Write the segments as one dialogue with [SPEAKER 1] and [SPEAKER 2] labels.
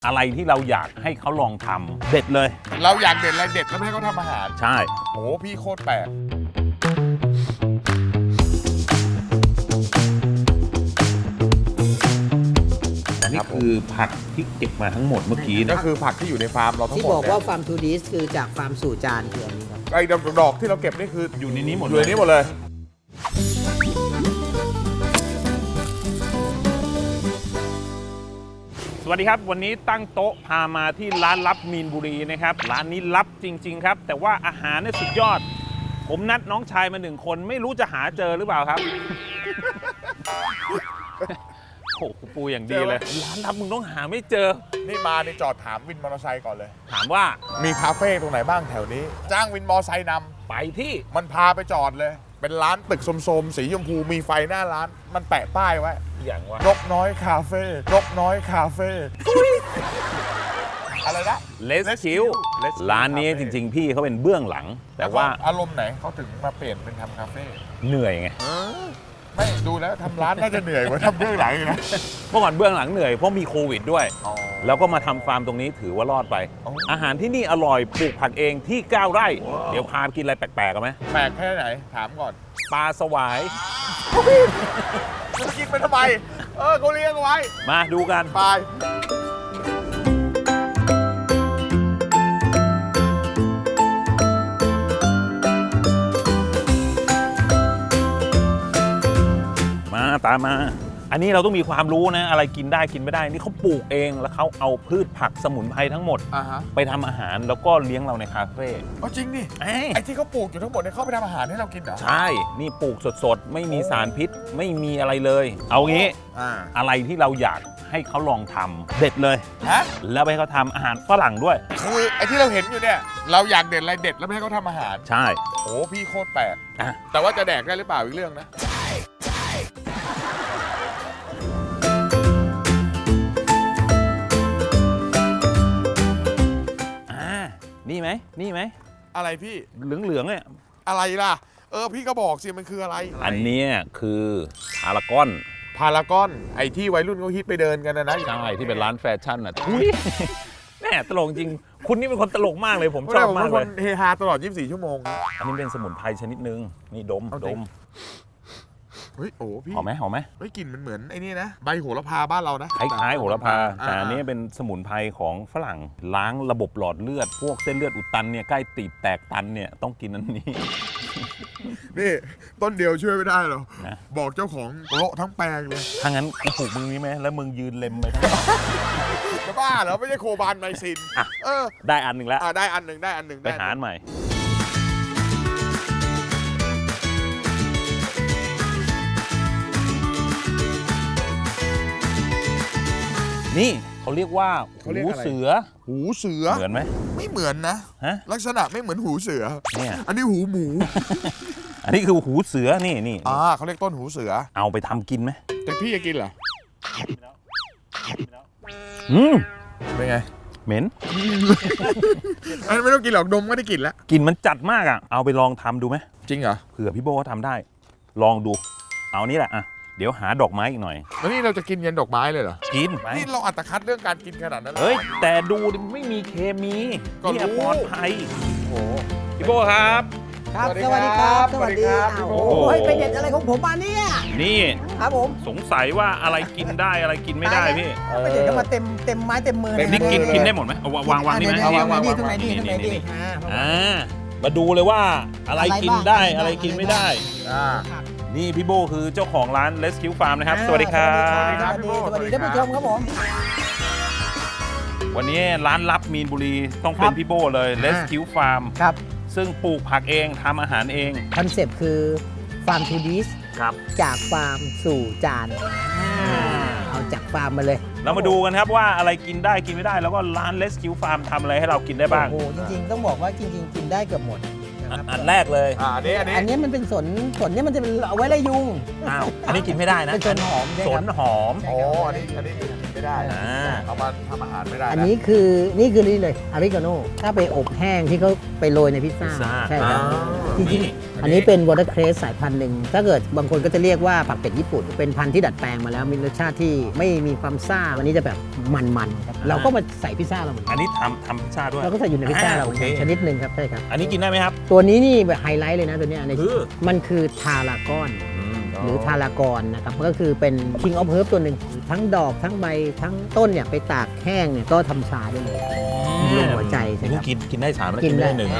[SPEAKER 1] อะไรที่เราอยากให้เขาลองทำเด็ดเลย
[SPEAKER 2] เราอยากเด็ดอะไรเด็ดแล้วไม่ให้เขาทำอาหาร
[SPEAKER 1] ใช่
[SPEAKER 2] โหพี่โคตรแปลก
[SPEAKER 1] อันนี้คือผักที่เก็บมาทั้งหมดเมื่อกี้
[SPEAKER 2] ก็
[SPEAKER 1] นะ
[SPEAKER 2] คือผักที่อยู่ในฟาร์มเราทั้ง
[SPEAKER 3] ที่
[SPEAKER 2] หมด
[SPEAKER 3] บอก
[SPEAKER 2] เนี่
[SPEAKER 3] ว่าย ฟาร์มทูดิสคือจากฟาร์มสู่จานคืออันนี้ครับ
[SPEAKER 2] ไอ้ดอกที่เราเก็บนี่คือ
[SPEAKER 1] อยู่ในนี้หมด
[SPEAKER 2] อยู่ในนี้หมดเลย
[SPEAKER 1] สวัสดีครับวันนี้ตั้งโต๊ะพามาที่ร้านลับมีนบุรีนะครับร้านนี้ลับจริงๆครับแต่ว่าอาหารเนี่ยสุดยอด ผมนัดน้องชายมา1 คนไม่รู้จะหาเจอหรือเปล่าครับ โอ้โหกูปูอย่างดีเลยร้านลับมึงต้องหาไม่เจอ
[SPEAKER 2] นี่มาในจอดถามวินมอเตอร์ไซค์ก่อนเลย
[SPEAKER 1] ถามว่า
[SPEAKER 2] มีคาเฟ่ตรงไหนบ้างแถวนี้ จ้างวินมอเตอร์ไซค์น
[SPEAKER 1] ไปที่
[SPEAKER 2] ำมันพาไปจอดเลย เป็นร้านตึกโสมๆสีชมพูมีไฟหน้าร้าน มันแปะป้ายไว้
[SPEAKER 1] อย่างว่าน
[SPEAKER 2] กน้อยคาเฟ่นกน้อยคาเฟ่อะไรนะ
[SPEAKER 1] เลสคิว
[SPEAKER 2] Let's Chill
[SPEAKER 1] ร้านนี้จริงๆ พี่เขาเป็นเบื้องหลัง แต่ว่า
[SPEAKER 2] อารมณ์ไหนเขาถึงมาเปลี่ยนเป็นทำคาเฟ่
[SPEAKER 1] เหนื่อยไง
[SPEAKER 2] ไม่ดูแล้วทำร้านน่าจะเหนื่อยกว่าทำเบื้องหลังอีกนะ
[SPEAKER 1] เมื่อก่อนเบื้องหลังเหนื่อยเพราะมีโควิดด้วย
[SPEAKER 2] อ๋อ
[SPEAKER 1] แล้วก็มาทำฟาร์มตรงนี้ถือว่ารอดไป
[SPEAKER 2] อ๋อ
[SPEAKER 1] อาหารที่นี่อร่อยปลูกผักเองที่ 9 ไร่ เดี๋ยวพาไปกินอะไรแปลกๆกันไหม
[SPEAKER 2] แปลกแค่ไหนถามก่อน
[SPEAKER 1] ปลาสวาย
[SPEAKER 2] จะกินไปทำไมเขาเลี้ยงเอาไว้
[SPEAKER 1] มาดูกัน
[SPEAKER 2] ไป
[SPEAKER 1] มาตามมา อันนี้เราต้องมีความรู้นะ อะไรกินได้กินไม่ได้ นี่เขาปลูกเองแล้วเขาเอาพืชผักสมุนไพรทั้งหมด
[SPEAKER 2] ฮะ
[SPEAKER 1] ไปทำอาหารแล้วก็เลี้ยงเราในคาเฟ่
[SPEAKER 2] จริงดิ
[SPEAKER 1] เอ้ย
[SPEAKER 2] ไอ้ที่เขาปลูกอยู่ทั้งหมดเนี่ยเขาไปทำอาหารให้เรากินเหรอ
[SPEAKER 1] ใช่ นี่ปลูกสดๆ ไม่มีสารพิษ ไม่มีอะไรเลย เอางี้ อะไรที่เราอยากให้เขาลองทำเด็ดเลย
[SPEAKER 2] ฮะ
[SPEAKER 1] แล้วไปให้เขาทำอาหารฝรั่งด้วย
[SPEAKER 2] คือไอ้ที่เราเห็นอยู่เนี่ย เราอยากเด็ดอะไรเด็ดแล้วไม่ให้เขาทำอาหาร
[SPEAKER 1] ใช่
[SPEAKER 2] โอ้พี่โคตรแปลก
[SPEAKER 1] อ่ะ
[SPEAKER 2] แต่ว่าจะแดกได้หรือเปล่าอีกเรื่องนะ
[SPEAKER 1] นี่ไหมนี่ไหม
[SPEAKER 2] อะไรพี่
[SPEAKER 1] เหลืองๆเนี่ย
[SPEAKER 2] อะไรล่ะ พี่ก็บอกสิมันคืออะไร
[SPEAKER 1] อันเนี้ยคือพารากอน
[SPEAKER 2] พารากอน ไอ้ที่วัยรุ่นเขาฮิตไปเดินกันนะ
[SPEAKER 1] ใช่ที่เป็นร้านแฟชั่นอ่ะทุยแม่ตลกจริง คุณนี่เป็นคนตลกมากเลยผมชอบ
[SPEAKER 2] ผม
[SPEAKER 1] มา
[SPEAKER 2] เป็
[SPEAKER 1] ก
[SPEAKER 2] นค
[SPEAKER 1] เลย
[SPEAKER 2] นเฮฮาตลอด 24 ชั่วโมง
[SPEAKER 1] อันนี้เป็นสมุนไพรชนิดนึง นี่ดม
[SPEAKER 2] เอา
[SPEAKER 1] ด
[SPEAKER 2] จริง
[SPEAKER 1] ม
[SPEAKER 2] เฮ้ย โอ้พี่
[SPEAKER 1] หอมไหมหอมไหม
[SPEAKER 2] เฮ้ยกลิ่นมันเหมือนไอ้นี่นะ ใบโหระพาบ้านเรานะ
[SPEAKER 1] คล้ายๆโหระพา แต่อันนี้
[SPEAKER 2] อ่า
[SPEAKER 1] เป็นสมุนไพรของฝรั่งล้างระบบหลอดเลือด พวกเส้นเลือดอุดตันเนี่ยใกล้ตีบแตกตันเนี่ยต้องกินอันนี้
[SPEAKER 2] นี่ต้นเดียวช่วยไม่ได้หรอก
[SPEAKER 1] นะ
[SPEAKER 2] บอกเจ้าของโละทั้งแปลงเลย
[SPEAKER 1] ถ้างั้นกูปลูกมึงนี้ไหมแล้วมึงยืนเล็มไปทั้ง
[SPEAKER 2] จะบ้าเหรอไม่ใช่โคบานไมซิน
[SPEAKER 1] อ่ะ
[SPEAKER 2] เออ
[SPEAKER 1] ได้อันหนึ่งแล้ว
[SPEAKER 2] ได้อันหนึ่งได้อันหนึ่ง
[SPEAKER 1] ไปหาอันใหม่ นี่เขาเรียกว่าหูเสือ
[SPEAKER 2] หูเสือ
[SPEAKER 1] เหมือนไหม
[SPEAKER 2] ไม่เหมือนนะ
[SPEAKER 1] ฮะ
[SPEAKER 2] ลักษณะไม่เหมือนหูเสือ
[SPEAKER 1] เนี่ย
[SPEAKER 2] อันนี้หูหมู
[SPEAKER 1] อันนี้คือหูเสือนี่
[SPEAKER 2] เขาเรียกต้นหูเสือ
[SPEAKER 1] เอาไปทำกินไหม
[SPEAKER 2] แต่พี่จะกินเหรอ
[SPEAKER 1] อืม
[SPEAKER 2] เป็นไง
[SPEAKER 1] เหม็น
[SPEAKER 2] อันนไม่ต้องกินหรอกดมก็ได้กลิ่นแล้ว
[SPEAKER 1] กลิ่นมันจัดมากอ่ะเอาไปลองทำดูไหม
[SPEAKER 2] จริงเหรอ
[SPEAKER 1] เผื่อพี่โบเขาทำได้ ลองดู เอานี่แหละอ่ะเดี๋ยวหาดอกไม้อีกหน่อย
[SPEAKER 2] แล้วนี่เราจะกินยันดอกไม้เลยเหรอ
[SPEAKER 1] กินไป
[SPEAKER 2] นี่เราอัตคัดเรื่องการกินขนาดนั้นล
[SPEAKER 1] เฮ้ยแต่ดูดิไม่มีเคมี
[SPEAKER 2] ก็รู้
[SPEAKER 1] เนี่ยปลอดภัย
[SPEAKER 2] โอ้
[SPEAKER 1] พี่โบครับ
[SPEAKER 3] ครับ
[SPEAKER 2] ส
[SPEAKER 3] ส
[SPEAKER 2] วั
[SPEAKER 3] วั
[SPEAKER 2] ส
[SPEAKER 3] ส
[SPEAKER 2] ดี
[SPEAKER 3] ดี
[SPEAKER 2] ค
[SPEAKER 3] ค
[SPEAKER 2] รั
[SPEAKER 3] รั
[SPEAKER 2] บบ
[SPEAKER 3] สวัสดี
[SPEAKER 2] สวัสดีครับ
[SPEAKER 3] อ้าว
[SPEAKER 2] พี่โบ
[SPEAKER 3] โอ้ยไปเด็ดอะไรของผมมาเนี่ย
[SPEAKER 1] นี่
[SPEAKER 3] ครับผม
[SPEAKER 1] สงสัยว่าอะไรกินได้อะไรกินไม่ได้พี่
[SPEAKER 3] ไปเด็ดกันมาเต็มไม้เต็มมือเลย
[SPEAKER 1] นี่กิน
[SPEAKER 3] เย
[SPEAKER 1] กินได้หมดไหมเอาวางนี่ไหม
[SPEAKER 3] เดี๋ยว
[SPEAKER 2] วาง
[SPEAKER 3] ๆตรงไหนดีตรงไหนดี
[SPEAKER 1] นี่
[SPEAKER 3] อ่า
[SPEAKER 1] มาดูเลยว่าอะไรกินได้
[SPEAKER 3] อะไรบ้าง
[SPEAKER 1] อะไรกินไม่ได้
[SPEAKER 2] อ่า
[SPEAKER 1] นี่พี่โบคือเจ้าของร้าน Rescue Farm นะครับ สวัสดีครับ
[SPEAKER 3] สวัสดีครับสวัสดีท่านผู้ชมครับผม
[SPEAKER 1] วันนี้ร้านลับมีนบุรีต้องเป็นพี่โบเลย Rescue Farm
[SPEAKER 3] ครับ
[SPEAKER 1] ซึ่งปลูกผักเองทำอาหารเอง
[SPEAKER 3] คอนเซปต์คือฟาร์มทูดิส
[SPEAKER 1] ครับ
[SPEAKER 3] จากฟาร์มสู่จานเอาจากฟาร์มมาเลย
[SPEAKER 1] เรามาดูกันครับว่าอะไรกินได้กินไม่ได้ แล้วก็ร้าน Rescue Farm ทำอะไรให้เรากินได้บ้าง
[SPEAKER 3] โอ้โหจริงๆต้องบอกว่าจริงๆกินได้เกือบหมดนะครับ
[SPEAKER 1] อันแรกเลย
[SPEAKER 2] อันนี้
[SPEAKER 3] อันนี้มันเป็นสนเนี่ยมันจะเป็นเอาไว้ไล่ยุง
[SPEAKER 1] อ้าวอันนี้กินไม่ได้นะ
[SPEAKER 3] เป็นสนหอมใช่
[SPEAKER 1] ส
[SPEAKER 3] ครั
[SPEAKER 1] น
[SPEAKER 3] บ
[SPEAKER 1] หอม
[SPEAKER 2] โอ้อันนี้กินไม่ไม่ได้
[SPEAKER 1] อ่า
[SPEAKER 2] เอามาทำอาหารไม่ได้
[SPEAKER 3] อันนี้คือนี่เลยอาริกาโน่ถ้าไปอบแห้งที่เขาไปโรยในพิซซ่า
[SPEAKER 1] พิซซ่า
[SPEAKER 3] ใช่ครับ
[SPEAKER 1] อ๋อ
[SPEAKER 3] จริงๆอันนี้เป็นวอเตอร์เครสสายพันธุ์หนึ่งถ้าเกิดบางคนก็จะเรียกว่าผักเป็ดญี่ปุ่น เป็นพันธุ์ที่ดัดแปลงมาแล้วมีรสชาติที่ไม่มีความซ่าวันนี้จะแบบมันๆครับเราก็มาใส่พิซซ่าเราเหมือนกั
[SPEAKER 1] อั
[SPEAKER 3] น
[SPEAKER 1] นนี้ทำพิซซ่าด้วย
[SPEAKER 3] เราก็ใส่อยู่ในพิซซ่าเรา
[SPEAKER 1] โอเค
[SPEAKER 3] ชนิดหนึ่งครับใช่ครับ
[SPEAKER 1] อันนี้กินได้ไหมครับ
[SPEAKER 3] ตัวนี้นี่แบบไฮไลท์เลยนะตัวเนี้ยใน
[SPEAKER 1] คือ
[SPEAKER 3] มันคือทารากอน หรือทารากอนนะครับก็คือเป็น King of Herb ตัวหนึ่งทั้งดอกทั้งใบทั้งต้นเนี่ยไปตากแห้งเนี่ยก็ทำชาได้เลยลงหัวใจใช่ไหมครับ
[SPEAKER 1] กินได้3แล้วกินไม่ได้หนึ่ง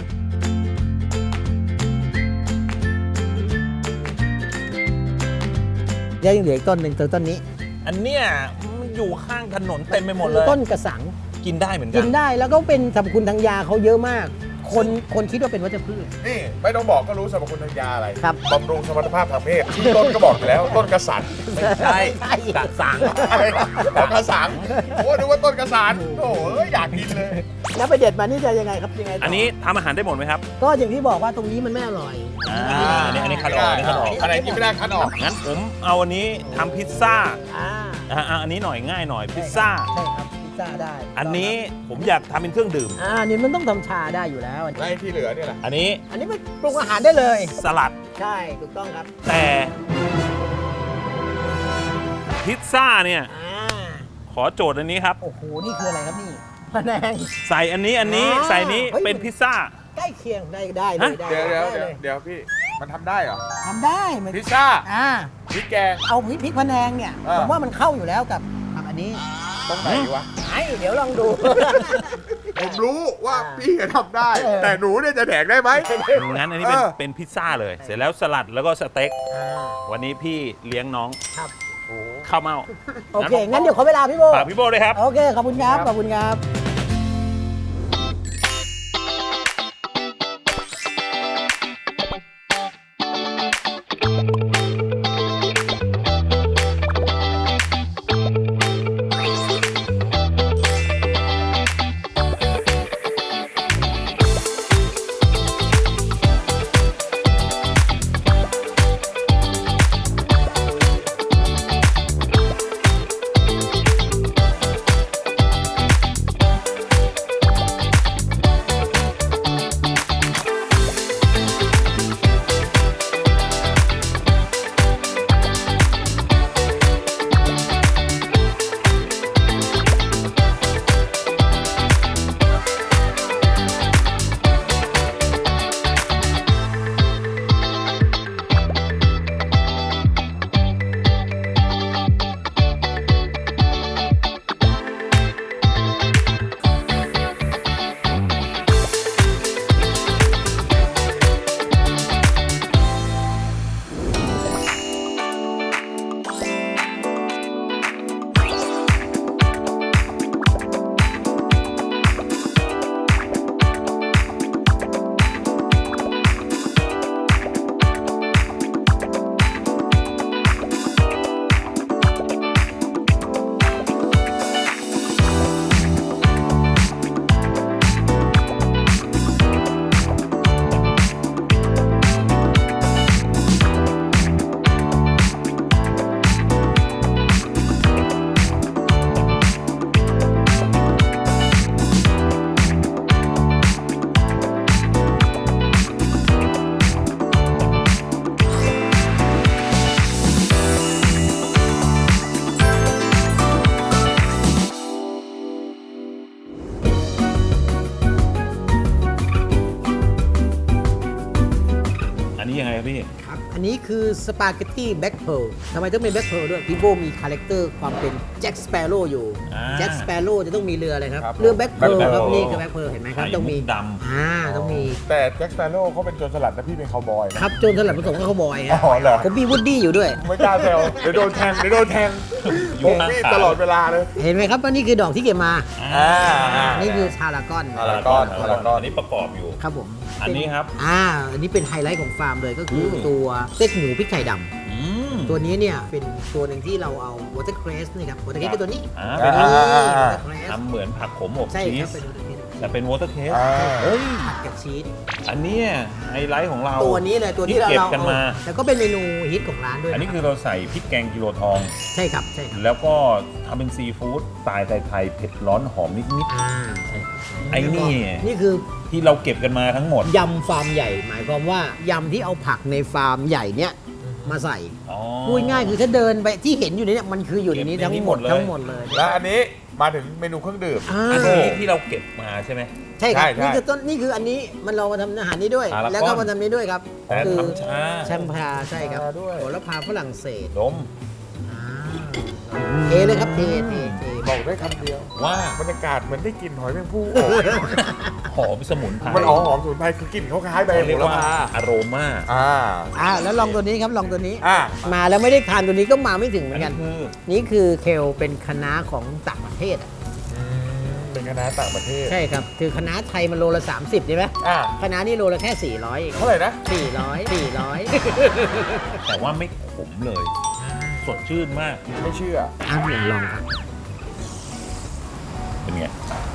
[SPEAKER 3] ยังเหลืออีกต้นหนึ่งต้นนี้
[SPEAKER 1] อันเนี้ยมันอยู่ข้างถนนเต็มไปหมดเลย
[SPEAKER 3] ต้นกระสัง
[SPEAKER 1] กินได้เหมือนกั
[SPEAKER 3] กินได้แล้วก็เป็นสรรพคุณทางยาเขาเยอะมาก คนคิดว่าเป็นวัชพืช
[SPEAKER 2] นี่ไม่ต้องบอกก็รู้สรรพคุณทางยาอะไร
[SPEAKER 3] ครับ
[SPEAKER 2] บำรุงสมรรถภาพทางเพศที่ต้นก็บอกอยู่แล้วต้นกระสัน
[SPEAKER 1] ไม่ใช่กระสัง
[SPEAKER 2] อะไรต้นกระสังโอ้ดูว่าต้นกระสันโอ้ยอยากกินเลย
[SPEAKER 3] แล้วไปเด็ดมานี่จะยังไงครับยังไงต่
[SPEAKER 1] อันนี้ทำอาหารได้หมดไหมครับ
[SPEAKER 3] ก็อย่างที่บอกว่าตรงนี้มันไม่อร่อย
[SPEAKER 1] อันนี้คัดออกอันนี้คัดออก
[SPEAKER 2] อะไรกินไม่ได้คัดออก
[SPEAKER 1] งั้นผมเอาอันนี้ทำพิซซ่า
[SPEAKER 3] อ่า
[SPEAKER 1] อันนี้หน่อยง่ายหน่อยพิซซ่า
[SPEAKER 3] ใช่ครับพิซซ่าได้
[SPEAKER 1] อันนี้ผมอยากทำเป็นเครื่องดื่ม
[SPEAKER 3] นี่มันต้องทำชาได้อยู่แล้ว
[SPEAKER 2] ไล่ที่เหลือเนี่ยแหละ
[SPEAKER 1] อันนี้
[SPEAKER 3] อันนี้มันปรุงอาหารได้เลย
[SPEAKER 1] สลัด
[SPEAKER 3] ใช่ถูกต้องครับ
[SPEAKER 1] แต่พิซซ่าเนี่ย ขอโจทย์อันนี้ครับ
[SPEAKER 3] โอ้โหนี่คืออะไรครับนี่พะแนง
[SPEAKER 1] ใส่อันนี้ใส่นี้
[SPEAKER 3] เฮ้ย
[SPEAKER 1] เป็นพิซซ่า
[SPEAKER 3] ใกล้เคียงได้เลยได้
[SPEAKER 2] เดี๋ยว
[SPEAKER 3] ได้เลย
[SPEAKER 2] เดี๋ยวพี่มันทำได้เหรอ
[SPEAKER 3] ทำได้มัน
[SPEAKER 2] พิซซ่า
[SPEAKER 3] อ่า
[SPEAKER 2] พริกแกง
[SPEAKER 3] เอาพริกพะแนงเนี่ย
[SPEAKER 2] อ่า
[SPEAKER 3] ผมว่ามันเข้าอยู่แล้วกับอันนี้
[SPEAKER 2] ตรงไหนวะ
[SPEAKER 3] เดี๋ยวลองดู
[SPEAKER 2] ผมรู้ว่า
[SPEAKER 3] อ่า
[SPEAKER 2] พี่ทำได้ แต่หนูเนี่ยจะแดกได้ไหม
[SPEAKER 1] งั้นอันนี้เป็น
[SPEAKER 2] เออ
[SPEAKER 1] เป็นพิซซ่าเลย เสร็จแล้วสลัดแล้วก็สเต็ก
[SPEAKER 3] อ่า
[SPEAKER 1] วันนี้พี่เลี้ยงน้อง
[SPEAKER 3] ครับ
[SPEAKER 1] ข้าวเม่า
[SPEAKER 3] โอเค งั้นเดี๋ยวขอเวลาพี่โบ
[SPEAKER 1] ฝากพี่โบเลยครับ
[SPEAKER 3] โอเค ขอบคุณครับ ขอบคุณครับ
[SPEAKER 1] อันนี้ยังไงครับพี่
[SPEAKER 3] ครับ อันนี้คือสปาเกตตี้แบ็คเพร์ลทำไมต้องเป็นแบ็คเพร์ลด้วย พี่โบมีคาแรคเตอร์ความเป็นแจ็คสเปโร่อยู่
[SPEAKER 1] อ่า
[SPEAKER 3] แจ็คสเปโร่จะต้องมีเรืออะไรครับ
[SPEAKER 2] ครับ
[SPEAKER 3] เรือแบ็คเพร์ล
[SPEAKER 2] Black
[SPEAKER 3] ครับ
[SPEAKER 2] Pearl
[SPEAKER 3] นี่คือแบ็คเพร์ลเห็นไหมครับ ต้องมี
[SPEAKER 1] ไข่มุกดำ
[SPEAKER 3] ต้องมี
[SPEAKER 2] แต่แจ็คสเปโร่เขาเป็นโจรสลัดแต่พี่เป็นคาวบอยนะครับ
[SPEAKER 3] โจนสลัดผสมกับข้าวบอย
[SPEAKER 2] อ๋
[SPEAKER 3] ฮะ
[SPEAKER 2] อเหรอ
[SPEAKER 3] ผมมีวูดดี้อยู่ด้วย
[SPEAKER 2] ไม่กล้าแซวเดี๋ยวโดนแทงผมนี่ตลอดเวลาเลย
[SPEAKER 3] เห็นไหมครับว่านี่คือดอกที่เก็บมา
[SPEAKER 1] อ่า
[SPEAKER 3] นี่คือทารากอน
[SPEAKER 2] ทารากอน
[SPEAKER 1] อันนี้ประกอบอยู่
[SPEAKER 3] ครับผม
[SPEAKER 1] อันนี้ครับ
[SPEAKER 3] อันนี้เป็นไฮไลท์ของฟาร์มเลยก็คืออ
[SPEAKER 1] ม
[SPEAKER 3] ตัวสเต็กหมูพริกไทยด
[SPEAKER 1] อืม
[SPEAKER 3] ำตัวนี้เนี่ยเป็นตัวหนึ่งที่เราเอาวอเตอร์เครสนี่ครับวอเตอร์เครสคือตัวนี้
[SPEAKER 1] เป็น
[SPEAKER 3] วอเตอร์เครส
[SPEAKER 1] ทำเหมือนผักขมอบ
[SPEAKER 3] ใช่
[SPEAKER 1] ชี
[SPEAKER 3] ครับ
[SPEAKER 1] ส
[SPEAKER 3] เป็นวอเตอร์เครส
[SPEAKER 1] แต่เป็นวอเตอร์เคส
[SPEAKER 2] อ่า
[SPEAKER 1] เฮ้ย
[SPEAKER 3] ผัดกับชีส
[SPEAKER 1] อันเนี้ยไฮไลท์ของเรา
[SPEAKER 3] ตัวนี้เลยตัวที่เรา
[SPEAKER 1] เก็บกันมา
[SPEAKER 3] แล้วก็เป็นเมนูฮิตของร้านด้วย
[SPEAKER 1] อันนี้
[SPEAKER 3] นะ
[SPEAKER 1] คือเราใส่พริกแกงกิโลทอง
[SPEAKER 3] ใช่ครับใช่ครับ
[SPEAKER 1] แล้วก็ทำเป็นซีฟู้ดสไตล์ไทยๆเผ็ดร้อนหอมนิด
[SPEAKER 3] อ่าใช่ครับ
[SPEAKER 1] ไอ้นี่
[SPEAKER 3] นี่คือ
[SPEAKER 1] ๆ ที่เราเก็บกันมาทั้งหมด
[SPEAKER 3] ยำฟาร์มใหญ่ หมายความว่ายำที่เอาผักในฟาร์มใหญ่เนี้ยมาใส่
[SPEAKER 1] อ๋อ
[SPEAKER 3] พูดง่ายคือถ้าเดินไปที่เห็นอยู่ในนี้มันคืออยู่ในนี้
[SPEAKER 1] เก็บใน
[SPEAKER 3] ทั้ง
[SPEAKER 1] นี้
[SPEAKER 3] หมด
[SPEAKER 1] หมดเลย
[SPEAKER 3] ทั้งหมดเลย
[SPEAKER 2] และอันนี้มาถึงเมนูเครื่องดื่ม
[SPEAKER 3] อ่า
[SPEAKER 1] อันนี้ที่เราเก็บมาใช่ไหม
[SPEAKER 3] ใช่ครับ
[SPEAKER 2] ใช่
[SPEAKER 3] นี่คือต้นนี่คืออันนี้มันเรามาทำอาหารนี้ด้วย
[SPEAKER 1] อ่าแล้ว
[SPEAKER 3] แล้วก็มาทำนี้ด้วยครับ
[SPEAKER 1] แต่
[SPEAKER 3] คือ
[SPEAKER 1] ทำช้า
[SPEAKER 3] แชมพาใช่ครับ
[SPEAKER 2] ชาด้วย
[SPEAKER 3] โหระพาฝรั่งเศส
[SPEAKER 1] ดม
[SPEAKER 3] เทเลยครับเท
[SPEAKER 2] บอกได้คำเดียว
[SPEAKER 1] ว่า
[SPEAKER 2] บรรยากาศเหมือนได้กลิ่นหอยแมงภู่
[SPEAKER 1] หอมสมุนไพร
[SPEAKER 2] มันหอมสมุนไพรคือกลิ่นเขาคล้ายใบ
[SPEAKER 1] เขา
[SPEAKER 2] โห
[SPEAKER 1] เรียก
[SPEAKER 2] ระ
[SPEAKER 1] ว่า
[SPEAKER 2] พา
[SPEAKER 1] อโรมา
[SPEAKER 3] แล้วลองตัวนี้ครับลองตัวนี้
[SPEAKER 2] อ่า
[SPEAKER 3] มาแล้วไม่ได้ทานตัวนี้ก็มาไม่ถึงเหมื
[SPEAKER 1] อั
[SPEAKER 3] อน น
[SPEAKER 1] นี้
[SPEAKER 3] กัน
[SPEAKER 1] คือ
[SPEAKER 3] นี่คือเคลเป็นคณะของต่างประเทศอะ
[SPEAKER 2] เป็นคณะต่างประเทศ
[SPEAKER 3] ใช่ครับ คือคณะไทยมันโลละ 30ใช่ไหม
[SPEAKER 2] อ่า
[SPEAKER 3] คณะนี่โลละแค่ 400เอง
[SPEAKER 2] เท่าไหร่นะ
[SPEAKER 3] 400
[SPEAKER 1] แต่ว่าไม่ขมเลย สดชื่นมาก
[SPEAKER 2] ไม่เชื่อ
[SPEAKER 3] อ่ะลองครับ
[SPEAKER 1] เป็นไง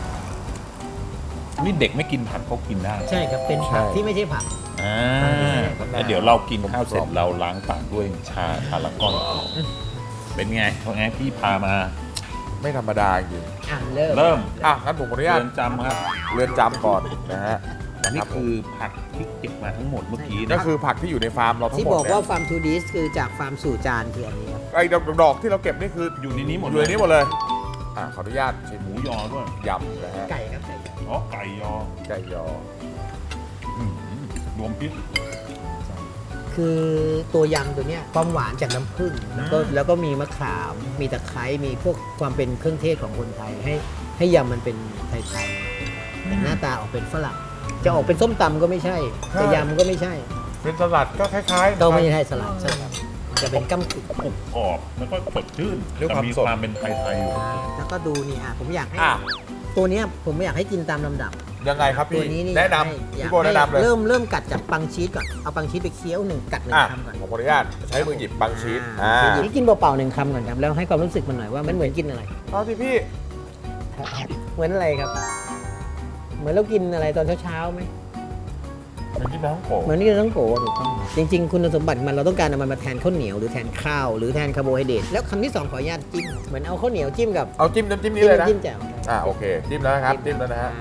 [SPEAKER 1] นี่เด็กไม่กินผักเขากินได้
[SPEAKER 3] ใช่ครับ เป็นผัก
[SPEAKER 2] ใช่
[SPEAKER 3] ที่ไม่ใช่ผัก
[SPEAKER 1] อ่าแล้วเดี๋ยวเรากินข้าวเสร็จเราล้างปากด้วยชาพารากอนเป็นไงเพราะงั้นพี่พามา
[SPEAKER 2] ไม่ธรรมดาจริง
[SPEAKER 3] อ่ะเริ่ม
[SPEAKER 1] เริ่ม
[SPEAKER 2] อ่ะงั้นผมขออนุญาต
[SPEAKER 1] เรือนจำครับ
[SPEAKER 2] เรือนจำก่อนนะฮะ
[SPEAKER 1] อันนี้คือผักที่เก็บมาทั้งหมดเมื่อกี้
[SPEAKER 2] ก็
[SPEAKER 1] นะ
[SPEAKER 2] คือผักที่อยู่ในฟาร์มเราทั้ง
[SPEAKER 3] ที่
[SPEAKER 2] หมด
[SPEAKER 3] บอก
[SPEAKER 2] เนี่
[SPEAKER 3] ว่าย ฟาร์มทูดิสคือจากฟาร์มสู่จานคืออันนี้ครับ
[SPEAKER 2] ไอ้ดอกที่เราเก็บนี่คือ
[SPEAKER 1] อยู่ในนี้หมด
[SPEAKER 2] อยู่ในนี้หมดเลย อ่ะขออนุญาตชิม
[SPEAKER 1] หมูยอด้วย
[SPEAKER 2] ยำนะฮะ
[SPEAKER 3] ไก่ครับไก่
[SPEAKER 1] อ๋อไก่ยอ
[SPEAKER 2] ไก่ยอ
[SPEAKER 1] อืมรวมพริก
[SPEAKER 3] คือตัวยำตัวเนี้ยความหวานจากน้ำผึ้งแล้วก็มีมะขาม มีตะไคร้มีพวกความเป็นเครื่องเทศของคนไทยให้ยำมันเป็นไทยๆแต่หน้าตาออกเป็นฝรั่งจะออกเป็นส้มตำก็ไม่ใช่จะยำก็ไม่ใช่
[SPEAKER 2] เป็นสลัดก็คล้ายๆ
[SPEAKER 3] ก็ไม่ใช่สลัดใช่ครับจะเป็นก้ำกึ่ง
[SPEAKER 1] กรุบกรอบแล้วก็สดชื่น
[SPEAKER 2] ด้วย
[SPEAKER 1] แต่
[SPEAKER 2] ความ
[SPEAKER 1] มี
[SPEAKER 2] สด
[SPEAKER 1] ความเป็นไทยๆอยู่
[SPEAKER 3] แล้วก็ดูนี่ผมอยากให้
[SPEAKER 2] อ่ะ
[SPEAKER 3] ตัวเนี้ยผมอยากให้กินตามลำดับ
[SPEAKER 2] ยังไงครับ
[SPEAKER 3] ตั
[SPEAKER 2] พี่
[SPEAKER 3] วนี้นี่
[SPEAKER 2] แนะน
[SPEAKER 3] อยาก
[SPEAKER 2] ำพี่โบแนะนำเลย
[SPEAKER 3] เริ่มกัดจากปังชีสก่อนเอาปังชีสไปเคี้ยวหนึ่งกัดหนึ่ง
[SPEAKER 2] อ่ะ
[SPEAKER 3] คำก่อน
[SPEAKER 2] ผมขออนุญาตใช้มือหยิบบางชีส
[SPEAKER 3] หยิบกินเปล่าๆหนึ่งคำก่อนครับแล้วให้ความรู้สึกมันหน่อยว่ามันเหมือนกินอะไร
[SPEAKER 2] เอาสิพี่
[SPEAKER 3] เหมือนอะไรครับ เหมือนเรากินอะไรตอนเช้าๆไหม
[SPEAKER 2] มันที่น้องโก
[SPEAKER 3] เหมือนกินทั้งโกถูกต้องจริง ๆ คุณสมบัติมันเราต้องการเอามันมาแทนข้าวเหนียวหรือแทนข้าวหรือแทนคาร์โบไฮเดรตแล้วคำที่สองขออนุญาตจิ้มเหมือนเอาข้าวเหนียวจิ้มกับ
[SPEAKER 2] เอาจิ้มน้ำจิ้มนี้เลยนะ
[SPEAKER 3] จิ้มแจ่ว
[SPEAKER 2] โอเค จิ้มแล้วนะครับ จิ้มแล้วนะฮะ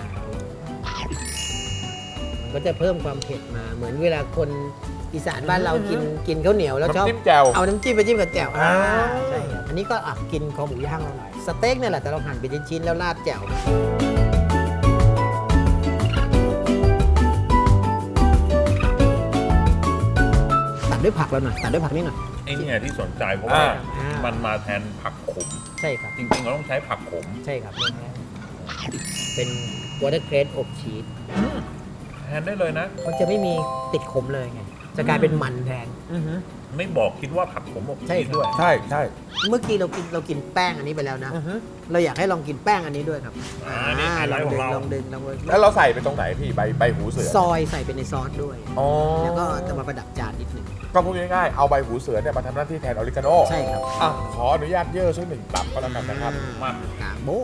[SPEAKER 3] มันก็จะเพิ่มความเผ็ดมาเหมือนเวลาคนอีสานบ้านเรากินข้าวเหนียวแล้วชอบ
[SPEAKER 2] น้ำจิ้มแจ่ว
[SPEAKER 3] เอาน้ำจิ้มไปจิ้มกับแจ่ว
[SPEAKER 2] อ่า
[SPEAKER 3] ใช่ครับอันนี้ก็กินคอหมูย่างเราหน่อยสเต็กเนี่ยแหละแต่เราหั่นเป็นชิ้นๆแล้วราดแจ่วตัดด้วยผักเราหน่อยตัดด้วยผักนี่หน่อย
[SPEAKER 1] ไอ้เนี่ยที่สนใจเพราะว่า
[SPEAKER 3] อ่ามั
[SPEAKER 1] มันมาแทนผักขม
[SPEAKER 3] ใช่ครับ
[SPEAKER 1] จริงๆเราต้องใช้ผักขม
[SPEAKER 3] ใช่ครับเป็นวอเตอร์เครสอบชีส
[SPEAKER 1] แทนได้เลยนะ
[SPEAKER 3] มันจะไม่มีติดขมเลยไงจะกลายเป็นมันแทน
[SPEAKER 1] ไม่บอกคิดว่าผักขมอบ
[SPEAKER 3] ใช่
[SPEAKER 1] ชีส
[SPEAKER 3] ครับ
[SPEAKER 1] ด้วย
[SPEAKER 2] ใช่ใช่
[SPEAKER 3] เมื่อกี้เรากินแป้งอันนี้ไปแล้วนะ เราอยากให้ลองกินแป้งอันนี้ด้วยครับ
[SPEAKER 1] อันนี้ไฮไลท์ของเรา
[SPEAKER 3] ลองดึง
[SPEAKER 2] แล้วเราใส่ไปตรงไหนพี่ใบหูเสือ
[SPEAKER 3] ซอยใส่ไปในซอสด้วย
[SPEAKER 2] อ๋อ
[SPEAKER 3] แล้วก็จะมาประดับจานนิดนึง
[SPEAKER 2] ก็พูดง่ายๆ เอาใบหูเสือเนี่ยมาทำหน้าที่แทนออริกาโน
[SPEAKER 3] ใช่ครับ
[SPEAKER 2] อ่ะขออนุญาตเย่อสักหนึ่งตับก็แล้วกันนะครับ
[SPEAKER 1] มา
[SPEAKER 3] กากโบ๊ะ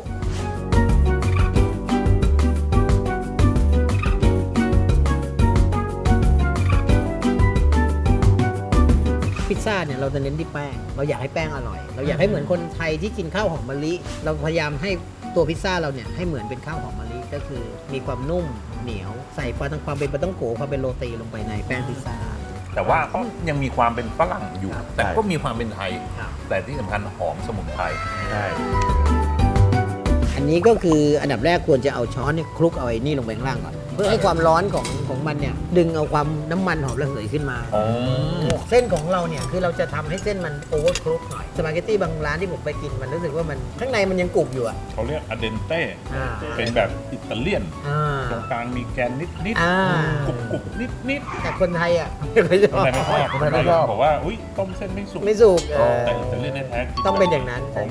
[SPEAKER 3] พิซซ่าเนี่ยเราจะเน้นที่แป้ง เราอยากให้แป้งอร่อย เราอยากให้เหมือนคนไทยที่กินข้าวหอมมะลิ เราพยายามให้ตัวพิซซ่าเราเนี่ยให้เหมือนเป็นข้าวหอมมะลิก็คือมีความนุ่มเหนียวใส่ความเป็นปลาต้องโกความเป็นโรตีลงไปในแป้งพิซซ่า
[SPEAKER 1] แต่ว่าก็ยังมีความเป็นฝรั่งอยู่
[SPEAKER 3] ครับ
[SPEAKER 1] แต่ก็มีความเป็นไทย
[SPEAKER 3] ครับ
[SPEAKER 1] แต่ที่สำคัญหอมสมุนไพร
[SPEAKER 2] ใช่
[SPEAKER 3] อันนี้ก็คืออันดับแรกควรจะเอาช้อนเนี่ยคลุกเอาไอ้นี่ลงไปข้างล่างก่อน เพื่อให้ความร้อนของมันเนี่ยดึงเอาความน้ำมันหอมระเหยขึ้นมา
[SPEAKER 1] อ๋อ
[SPEAKER 3] เส้นของเราเนี่ยคือเราจะทำให้เส้นมันโอเวอร์คลุกหน่อยสปาเกตตี้บางร้านที่ผมไปกินมันรู้สึกว่ามันข้างในมันยังกรุบอยู่อ่ะ
[SPEAKER 1] เขาเรียกอเดนเต้
[SPEAKER 3] อ่า
[SPEAKER 1] เป็นแบบอิตาเลียน
[SPEAKER 3] อ่า
[SPEAKER 1] ตรงกลางมีแกนนิด
[SPEAKER 3] อ่า
[SPEAKER 1] ๆกรุบๆนิด
[SPEAKER 3] แต่คนไทยอ่ะไม่ค่อยช
[SPEAKER 1] ๆ
[SPEAKER 3] อบ
[SPEAKER 1] ทำไมไม่ชอบ
[SPEAKER 2] ทำไมไม่ชอบ
[SPEAKER 1] บอกว่าอุ้ยต้มเส้นไม่สุก
[SPEAKER 3] ไม่สุก
[SPEAKER 1] แต่อิตาเลียนแท้ๆกิ
[SPEAKER 3] ต้องเป็นอย่างนั้น
[SPEAKER 1] อ๋อ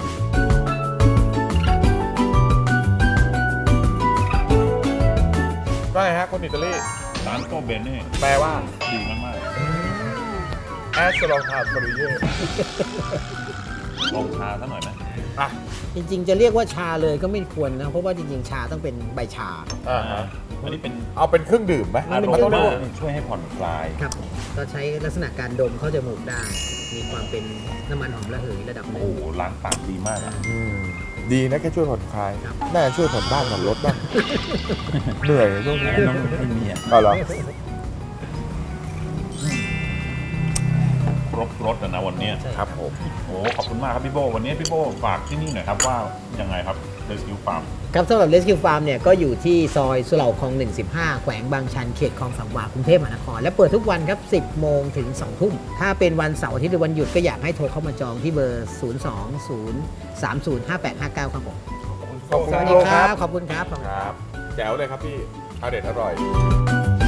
[SPEAKER 2] ก็ไงฮะคนอิตาลี
[SPEAKER 1] ร้านโตเบเน่
[SPEAKER 2] แปลว่า
[SPEAKER 1] ดีมาก
[SPEAKER 2] แอสลองทามฟรีเย่
[SPEAKER 1] ลองชาซะหน่อยไหม
[SPEAKER 2] อ่ะ
[SPEAKER 3] จริงๆ จะเรียกว่าชาเลยก็ไม่ควรนะ เพราะว่าจริงๆ ชาต้องเป็นใบชา
[SPEAKER 1] อันนี้เป็น
[SPEAKER 2] เอาเป็นเครื่องดื่มไหม
[SPEAKER 3] มันเป็น
[SPEAKER 1] อาร
[SPEAKER 3] เครื่อง
[SPEAKER 1] มา
[SPEAKER 3] ดื่ม
[SPEAKER 1] ช่วยให้ผ่อนคลาย
[SPEAKER 3] ครับก็ใช้ลักษณะการดมเข้าจมูกได้ มีความเป็นน้ำมันหอมระเหยระดับหนึ่
[SPEAKER 1] โอ้
[SPEAKER 3] ง
[SPEAKER 1] โหล้างปากดีมากอะ
[SPEAKER 2] ดีนะแค่ช่วยผ่อนคลาย
[SPEAKER 3] ครับ
[SPEAKER 2] น่าจะช่วยผ่อนบ้านผ่อนรถบ้าง เหนื่อยช่วงนี้
[SPEAKER 1] น้องไม่มีอ่ะ
[SPEAKER 2] เอาเหรอ
[SPEAKER 1] ครบรถอะนะวันเนี้ย
[SPEAKER 3] ใช่
[SPEAKER 2] ครับผม
[SPEAKER 1] โอ้ขอบคุณมากครับพี่โบวันนี้พี่โบฝากที่นี่หน่อยครับว่ายังไงครับเดสคิวฟาร์ม
[SPEAKER 3] ครับสำหรับ Rescue Farm เนี่ยก็อยู่ที่ซอยสุเหร่าคลอง 115 แขวงบางชันเขตคลองสามวากรุงเทพมหานคร และเปิดทุกวันครับ 10 โมงถึง 2 ทุ่ม ถ้าเป็นวันเสาร์อาทิตย์หรือวันหยุดก็อยากให้โทรเข้ามาจองที่เบอร์ 020305859 ครับผม
[SPEAKER 2] ขอบคุณ
[SPEAKER 3] สวัส
[SPEAKER 2] โล
[SPEAKER 3] ดีค
[SPEAKER 2] ค
[SPEAKER 3] รั
[SPEAKER 2] รับ
[SPEAKER 3] ขอบคุณครับ
[SPEAKER 2] ครับ แจ๋วเลยครับพี่อเด็ดอร่อย